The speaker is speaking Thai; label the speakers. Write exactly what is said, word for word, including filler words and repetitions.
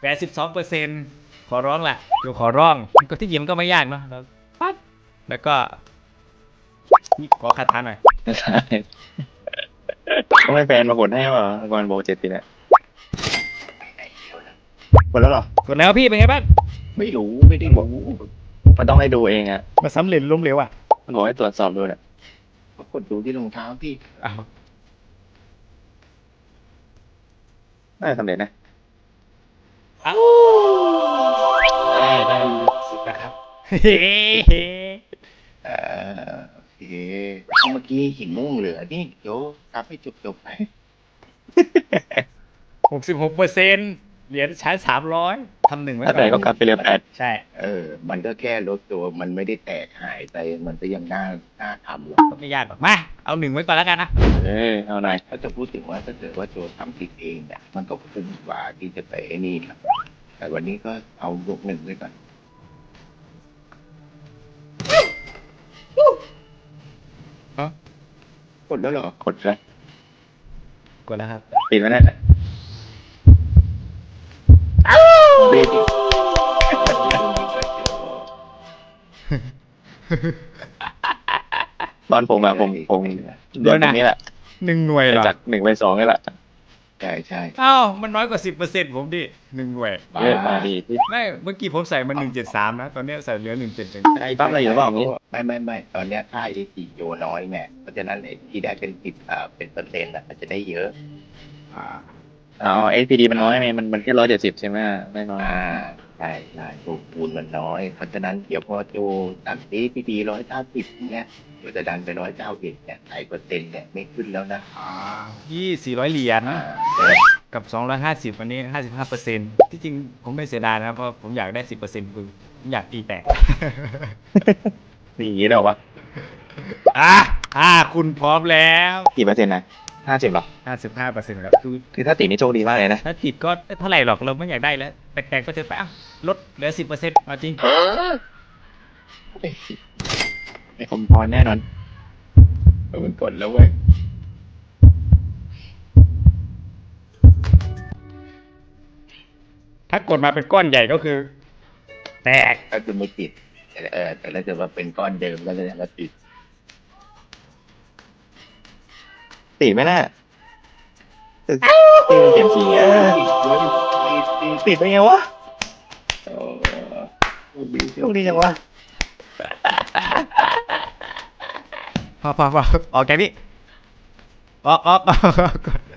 Speaker 1: แปดสิบสองเปอร์เซ็นต์ขอร้องแหละเดี๋ยวขอร้องก็ที่จริงมันก็ไม่ยากเนาะแล้วปั๊บแล้วก็นี่ขอคาถาหน่อย
Speaker 2: ใช่ก็ไม่แฟนมากดให้ป่ะก่อนโบเจ็ดปีแล้วกดแล้วหรอก
Speaker 1: ดแล้วพี่เป็นไงบ้าง
Speaker 2: ไม่รู้ไม่ได้รู้มันต้องให้ดูเองอ่ะ
Speaker 1: มาสำเร็จล้มเหลวอ่ะ
Speaker 2: มันบอกให้ตรวจสอบดูเนี่ย
Speaker 3: กดดูที่รองเท้าพี่
Speaker 1: อ้าว
Speaker 2: น่าจะสำเร็จนะ
Speaker 1: อ้าว
Speaker 2: ได้ได้
Speaker 3: นะครับ
Speaker 1: เฮ้
Speaker 3: เอ่อโอเคเมื่อกี้หินม่วงเหลือนี่เดี๋ยวกลับให้จบจบๆไป
Speaker 1: หกสิบหกเปอร์เซ็นต์เหรียญใช้สามร้อยทำหนึ่งไว้
Speaker 2: ถ้า
Speaker 1: ก่
Speaker 2: แต่ก็
Speaker 1: อน
Speaker 2: กลับไปเรือแปด
Speaker 1: ใช่
Speaker 3: เออ มันก็แค่ลดตัวมันไม่ได้แตกหายไปมันก็ยังน่าน่าทำอยู่
Speaker 1: ก็ไม่ยากหรอกมาเอาหนึ่งไว้ก่อนแล้วกันนะ
Speaker 2: เออเอาหน่อย
Speaker 3: ถ้าจะพูดถึงว่าถ้าเกิดว่าโจทำผิดเองเนี่ยมันก็คุ้มกว่าที่จะไปไอ้นี่ครับแต่วันนี้ก็เอายกหนึ่งไว้ก่อน กดแล้วเหรอก
Speaker 2: ดแล้ว
Speaker 1: กดแล้วครับ
Speaker 2: ปิดไว้นั่นแหละ
Speaker 3: เบสิก
Speaker 2: ตอนผมอะผมผมเดือนตรงนี้แหละ
Speaker 1: หนึ่งหน่วยเหรอ
Speaker 2: จากหนึ่งไปสองนี่แหละ
Speaker 3: ใช่ใช่
Speaker 1: อ้าวมันน้อยกว่าสิบเปอร์เซ็นต์ผมดิหนึ่งหน่วย
Speaker 2: เยอะมาดีที่
Speaker 1: ไม่เมื่อกี้ผมใส่มาหนึ่งเจ็ดสามนะตอนนี้ใส่เหลือหนึ่งเจ็ดหนึ่ง
Speaker 2: ไอ้ปั๊บอะไรอยู่หรือเปล่าอย่างนี้
Speaker 3: ไม่ไม่ไม่ตอนเนี้ยค่า เอ ที โยน้อยแม่เพราะฉะนั้นไอ้ที่ได้เป็นสิบอ่าเป็นเปอร์เซ็นต์อ่ะมันจะได้เยอะ อ่า
Speaker 2: อ๋อ เอส พี ดี มันน้อยไหมมันมันแค่ร้อยเจ็ดสิบใช่ไหมไม่น้อย
Speaker 3: อ่าใช่ใช่ตัวปูนมันน้อย เพราะฉะนั้นเดี๋ยวพอโจตัดซีพีดีร้อยเก้าสิบเนี่ยเดี๋ยวจะดันไปร้อยเก้าสิบเนี่ยไอ้เปอร์เซ็นต์เนี่ยไม่ขึ้นแล้วนะอ่า
Speaker 1: ยี่สี่ร้อยเหรียญ
Speaker 3: อ่า
Speaker 1: กับสองร้อยห้าสิบวันนี้ห้าสิบห้าเปอร์เซ็นต์ที่จริงผมไม่เสียดายนะเพราะผมอยากได้สิบเปอร์เซ็นต์คือผมอยากตีแตก
Speaker 2: นี่อย่างนี้เดี๋ยววะ
Speaker 1: อ่ะอ่าคุณพร้อมแล้ว
Speaker 2: กี่เปอร์เซ็นต์นะห้าสิบหรอ
Speaker 1: ห้าสิบห้าเปอร์เซ็นต์ครับคือ
Speaker 2: คือถ้าติดนี่โชคดีมากเลยนะ
Speaker 1: ถ้าติดก็เท่าไหร่หรอกเราไม่อยากได้แล้วแตกๆก็จะไปอ่ะลดเหลือสิบเปอร์เซ็นต์เอาจริง
Speaker 2: ไม่คมพรแน่นอน
Speaker 3: เออมันกดแล้วเว้ย
Speaker 1: ถ้ากดมาเป็นก้อนใหญ่ก็คือ แตก
Speaker 3: ก็คือไม่ติดแต่เออแต่ถ้าเกิดว่าเป็นก้อนเดิมก็แสดงว่าติด
Speaker 2: ติดไหมน่ะติดติดเปลี่ยนสีอ่ะ ติดไปไงวะ
Speaker 3: โอ้ดี
Speaker 2: โชคดีจังวะ
Speaker 1: พอพอพอออกจากนี้ออกออกออกออก